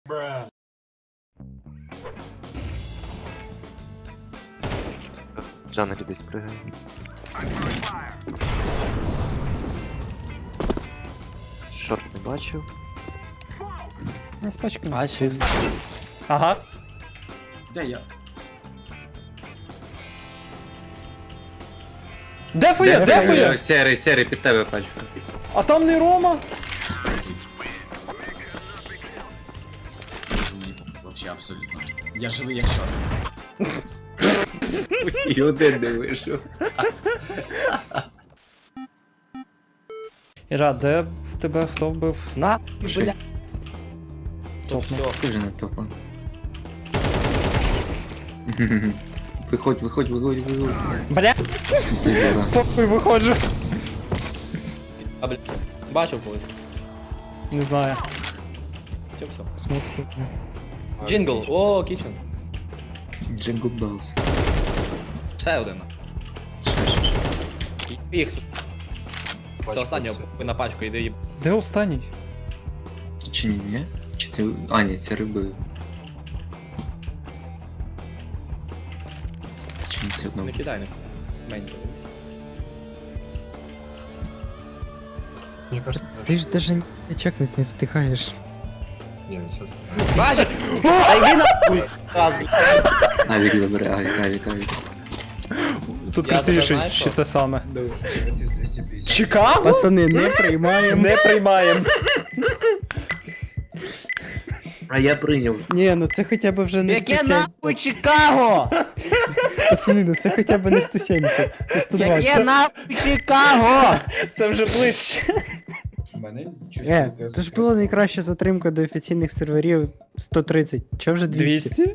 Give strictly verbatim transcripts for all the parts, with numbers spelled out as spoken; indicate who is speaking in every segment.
Speaker 1: В джанглі десь пригає. Шорт не бачив.
Speaker 2: Не спачка.
Speaker 3: А, чист.
Speaker 2: Ага.
Speaker 4: Де я?
Speaker 2: Дефує, дефує!
Speaker 5: Серий, серий, під тебе пачу.
Speaker 2: А там не Рома.
Speaker 4: Вообще абсолютно. Я живий як чорт.
Speaker 5: І один не вийшов.
Speaker 2: Іра, де в тебе хто вбив?
Speaker 3: На, бля.
Speaker 2: Топ, ну.
Speaker 5: Ти вже не топа. Виходь, виходь, виходь, виходь.
Speaker 2: Бля, попи виходжу.
Speaker 3: А, бля. Бачив когось.
Speaker 2: Не знаю.
Speaker 3: Все, все.
Speaker 2: Смок.
Speaker 3: Джингл. О, кічен.
Speaker 5: Джингл Белс.
Speaker 3: Ще один. Їх, су. Все, останнього ви на пачку йде їб.
Speaker 2: Де останній?
Speaker 5: Чи ні, ні? Чи ти... А, ні, це риби. Чи не все одно?
Speaker 3: Не кидай, не кидай. Мені.
Speaker 6: Мне кажется,
Speaker 7: Ты же даже чекнуть не встигаешь.
Speaker 6: не, все встает.
Speaker 3: Бачиш? Та йди нахуй! Раз, блядь.
Speaker 5: Авік забере, авік, авік, авік.
Speaker 2: Тут
Speaker 3: Я
Speaker 2: красивіше,
Speaker 3: тебе знаю,
Speaker 2: ще
Speaker 3: що?
Speaker 2: те саме. Чикаго?
Speaker 7: Пацаны, не приймаємо.
Speaker 2: Не приймаємо.
Speaker 5: А я прийняв.
Speaker 7: Ні, ну це хоча б вже не
Speaker 3: Яке
Speaker 7: сто сімдесят.
Speaker 3: нахуй Чикаго?
Speaker 7: Пацани, ну це хоча б не сто сімдесят. Це сто
Speaker 3: Яке
Speaker 7: двадцять.
Speaker 3: нахуй Чикаго?
Speaker 2: Це вже ближче.
Speaker 4: Мене
Speaker 7: Е, це ж була найкраща затримка до офіційних серверів сто тридцять. Чого вже двісті?
Speaker 2: двісті?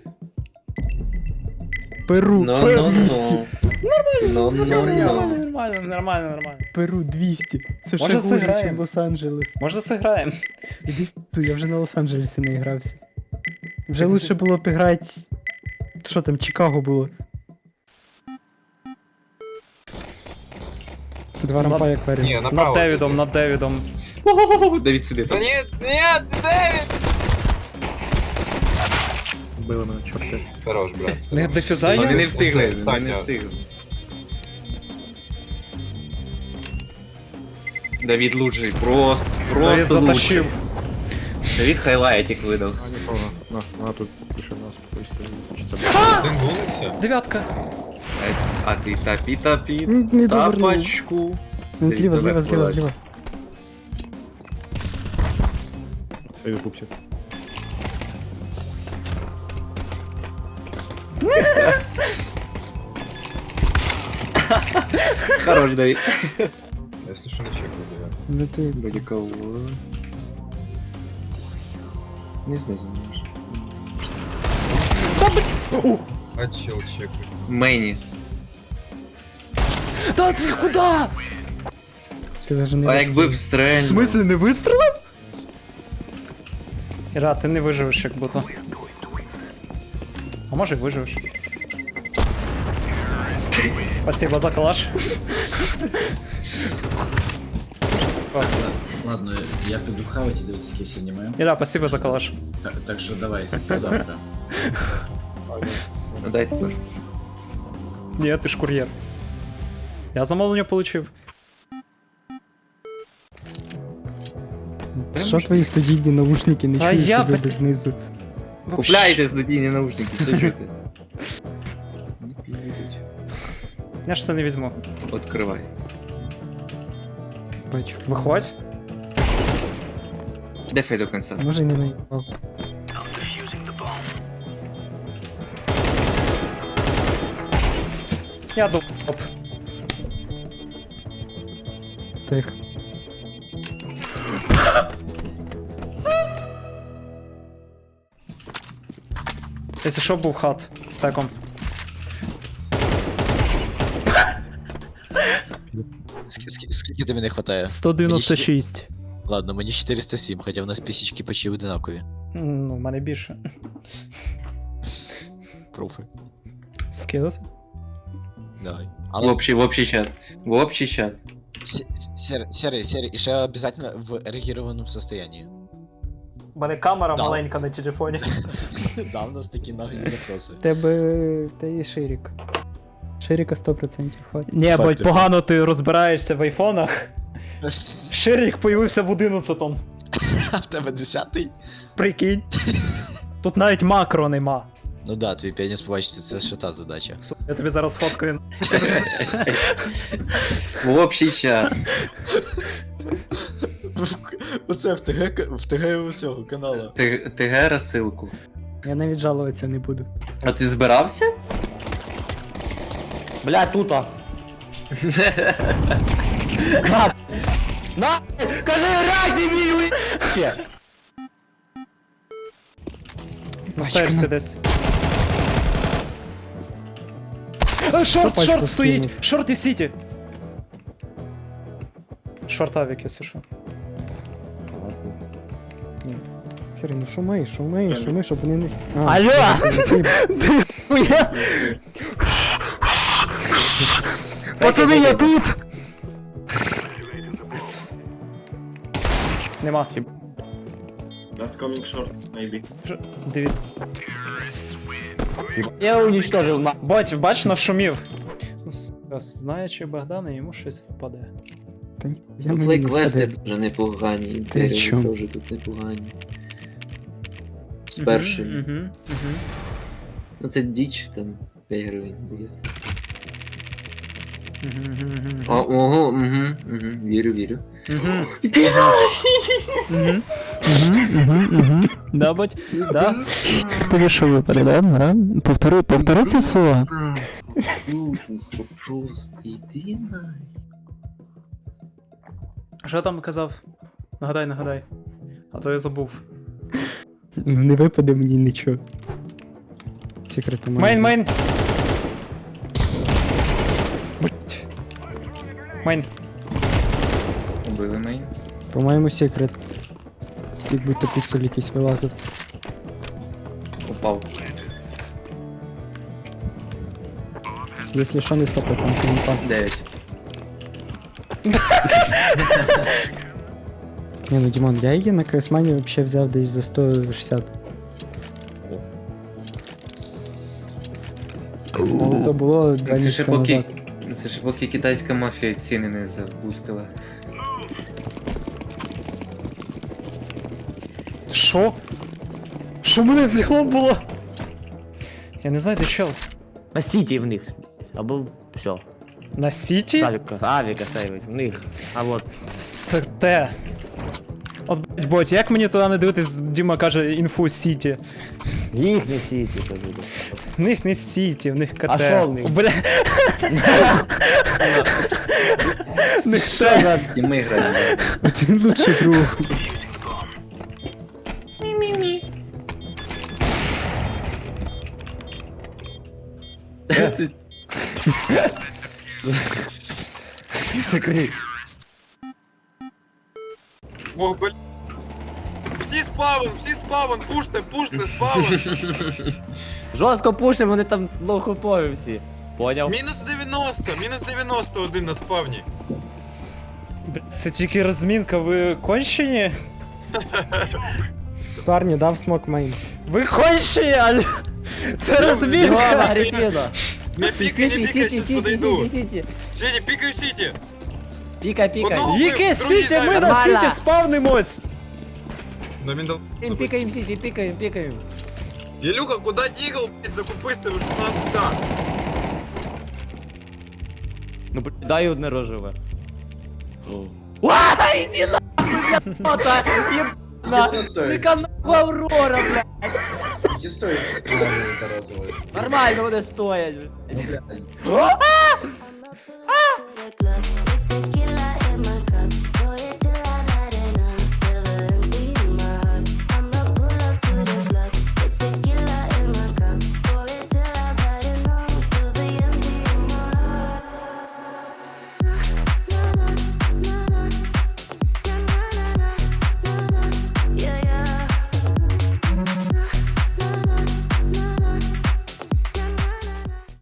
Speaker 7: Перу,
Speaker 5: Ну,
Speaker 7: Перу
Speaker 5: ну,
Speaker 7: двісті.
Speaker 5: ну. Ну, ну, ну.
Speaker 2: Нормально, нормально, нормально, нормально.
Speaker 7: Перу двісті. Це
Speaker 2: Може,
Speaker 7: ще хуже,
Speaker 2: зіграємо?
Speaker 7: ніж Лос-Анджелес.
Speaker 2: Може зіграємо?
Speaker 7: Іди в ту, я вже на Лос-Анджелесі не грався. Вже
Speaker 2: Так
Speaker 7: лучше
Speaker 2: з-
Speaker 7: було б грати. Що там, Чикаго було. Два рампа як варіант.
Speaker 6: Не,
Speaker 2: Над
Speaker 6: направо.
Speaker 2: Девідом, над Девідом.
Speaker 5: Ого, Давід сиди
Speaker 6: Да
Speaker 5: там.
Speaker 6: нет, нет, Дэвид!
Speaker 1: Били мене чорти.
Speaker 6: Хорош, брат.
Speaker 2: Не дефіза
Speaker 5: Вони
Speaker 2: є?
Speaker 5: не встигли, вони
Speaker 6: Так,
Speaker 5: не
Speaker 6: я-
Speaker 5: встигли. Давід лучший, просто,
Speaker 2: Девід
Speaker 5: просто
Speaker 2: затащив.
Speaker 5: лучший. Давід хайлайтик видав.
Speaker 1: А нікого. На, вона тут пише нас поїсти. Чи це
Speaker 6: Один гол и все.
Speaker 2: Дев'ятка.
Speaker 5: А ти тапі тапі
Speaker 7: М, Не довернув.
Speaker 5: тапочку.
Speaker 7: Він зліва,
Speaker 5: Давид
Speaker 7: зліва, зліва,
Speaker 5: вилазь.
Speaker 7: зліва.
Speaker 1: Це ютубчик.
Speaker 5: Хорош, Давід.
Speaker 6: Если что, не чекаю, да.
Speaker 7: Ну ти
Speaker 5: Вроде кого. Не знаю, знаешь.
Speaker 6: А чел чекаю.
Speaker 5: Мені.
Speaker 2: Та ти куди?
Speaker 7: Ти даже не
Speaker 5: А якби б
Speaker 2: В
Speaker 5: стрельнув.
Speaker 2: смислі не вистрілив? Іра, ти не виживеш як будто. А може й виживеш. Спасибо за калаш.
Speaker 4: Ладно, я піду хавати і дивитися якесь аніме.
Speaker 2: Іра, спасибо за калаш.
Speaker 4: Так, так що давай, до завтра.
Speaker 5: Ну дай тепер.
Speaker 2: Ні, ти ж кур'єр. Я замовлення получив.
Speaker 7: Що твої студійні наушники не
Speaker 2: Та
Speaker 7: чуєш
Speaker 2: я
Speaker 7: тебе
Speaker 2: б-
Speaker 7: знизу?
Speaker 5: Купляйте студійні наушники, все чуєте. Не підуть.
Speaker 2: Я ж це не візьму.
Speaker 5: Откривай.
Speaker 7: Бачу.
Speaker 2: Виходь.
Speaker 5: Дефай до кінця.
Speaker 7: Може й не наїбав.
Speaker 2: Я доп.
Speaker 7: Тихо.
Speaker 2: Якщо що, був хат з теком.
Speaker 8: Скільки тобі не хватає?
Speaker 2: сто дев'яносто шість.
Speaker 8: Ладно, мені четыреста семь, хоча в нас пісічки почти одинакові.
Speaker 2: Ну, в мене більше.
Speaker 8: Пруфи.
Speaker 2: Скидати?
Speaker 8: Давай.
Speaker 5: В
Speaker 8: Але
Speaker 5: общий, в общий чат. В общий чат.
Speaker 8: серый, серый, серый, и ще обязательно в эрегированном состоянии.
Speaker 2: У мене камера
Speaker 8: Да.
Speaker 2: маленька на телефоні.
Speaker 8: Да, у нас такі наглі запроси.
Speaker 7: В тебе в тебе є ширик. Ширика сто відсотків хватить.
Speaker 2: Ні,
Speaker 8: Факти.
Speaker 2: бо погано ти розбираєшся в айфонах. Ширик появився в одинадцятому.
Speaker 8: А в тебе десятий?
Speaker 2: Прикинь. Тут навіть макро нема.
Speaker 8: Ну да, твій пеніс побачити, це ще та задача.
Speaker 2: Су- Я тобі зараз фоткаю.
Speaker 5: В общий чат.
Speaker 8: Оце в ТГ, в ТГ усього каналу.
Speaker 5: Ти, ТГ розсилку.
Speaker 7: Я навіть жалуватися не буду.
Speaker 5: А ти збирався?
Speaker 3: Бля, тута. На! На! Кажи, рак, дебіль! Ще.
Speaker 2: Поставишся десь. Е, Шорт,
Speaker 7: пачку
Speaker 2: шорт стоїть!
Speaker 7: скинув?
Speaker 2: Шорт і сіті! Шорт авік, якщо що.
Speaker 7: Сірі, ну шуми, шуми, шуми, щоб вони не... с- А,
Speaker 2: Алло!
Speaker 7: ти-
Speaker 2: Хуя! Пацани, я тут! Нема. Диві...
Speaker 3: Я уничтожил на...
Speaker 2: Бач, бач, нашумів. Ну, сука, знаючи Богдана, йому щось впаде.
Speaker 7: Та ні, я мені не
Speaker 5: Флейквести
Speaker 7: впаде.
Speaker 5: дуже непогані,
Speaker 7: Ти
Speaker 5: інтереси
Speaker 7: чому?
Speaker 5: теж тут непогані. З першим.
Speaker 2: Угу, угу.
Speaker 5: Ну це діч, там п'ять гривень буде.
Speaker 2: Угу, угу,
Speaker 5: О, ого, угу, угу, вірю, вірю.
Speaker 2: угу. Угу. Да, бать? Да?
Speaker 7: Тобі що випаде, да? да? Повтори, повтори це слово.
Speaker 5: Просто іди на.
Speaker 2: Що там казав? Нагадай, нагадай. А то я забув.
Speaker 7: Ну не випаде мені нічого. Секрету
Speaker 2: Мейн, мейн! Бать. Мейн.
Speaker 5: Убили мейн.
Speaker 7: По-моєму, секрет. Як будто піксель якийсь вилазив.
Speaker 5: Упав.
Speaker 7: Якщо що, не сто відсотків не пак.
Speaker 5: Дев'ять.
Speaker 7: Ні, ну Дімон, я її на Кресмані взагалі взяв десь за сто шістдесят. Ну, то було два
Speaker 5: Це ще
Speaker 7: місяці
Speaker 5: поки,
Speaker 7: назад.
Speaker 5: це ще поки китайська мафія ціни не запустила.
Speaker 2: Що? Що в мене з ділом було? Я не знаю, де чел.
Speaker 3: На сіті в них. Або все.
Speaker 2: На сіті?
Speaker 3: Авіка, авіка сейвить, в них. А вот.
Speaker 2: Це те. От, блядь, боть, як мені туди не дивитись, Діма каже інфу сіті.
Speaker 3: Їх не сіті, то буде.
Speaker 2: В них не сіті, в них КТ.
Speaker 3: А що в них?
Speaker 2: Бля. В них
Speaker 5: Що
Speaker 2: те.
Speaker 5: за і ми граємо?
Speaker 7: Один лучший друг.
Speaker 3: Закрий.
Speaker 6: О, бля. Всі спавен, всі спавен, пуште, пуште, спавен.
Speaker 3: Жорстко пушимо, вони там лохопові всі. Поняв?
Speaker 6: Мінус дев'яносто, мінус дев'яносто один на спавні.
Speaker 2: Бля, це тільки розмінка, ви кончені?
Speaker 7: Парні, дав смок мейн.
Speaker 2: Ви кончені, аль... Це
Speaker 3: Його
Speaker 2: розмінка!
Speaker 3: агресивно.
Speaker 6: Не пікай, не
Speaker 3: Сіті,
Speaker 6: пікай,
Speaker 3: сіті,
Speaker 6: щас
Speaker 3: сіті,
Speaker 6: подойду.
Speaker 3: сіті, сіті.
Speaker 6: Сіті, пікаю сіті.
Speaker 3: Пікай, пікай.
Speaker 6: Одного-
Speaker 2: Яке
Speaker 6: Другий
Speaker 2: сіті? Ми
Speaker 6: зайвий.
Speaker 2: на
Speaker 3: Нормально.
Speaker 2: сіті спавнимось!
Speaker 6: Ну він дал.
Speaker 3: Пікаємо, пікаємо сіті, пікаємо, пікаємо.
Speaker 6: Ілюха, куди дігл, блядь, закупись, ти вже шістнадцять так.
Speaker 3: Ну, блядь, дай одне рожеве. Уа, іди нахуй, блядь, єбана. Ника нахуй Аврора, блядь.
Speaker 4: Скільки стоїть та розовий?
Speaker 3: Нормально вони стоять, блядь.
Speaker 4: Ну, блядь.
Speaker 3: О!
Speaker 9: Look, look, it's a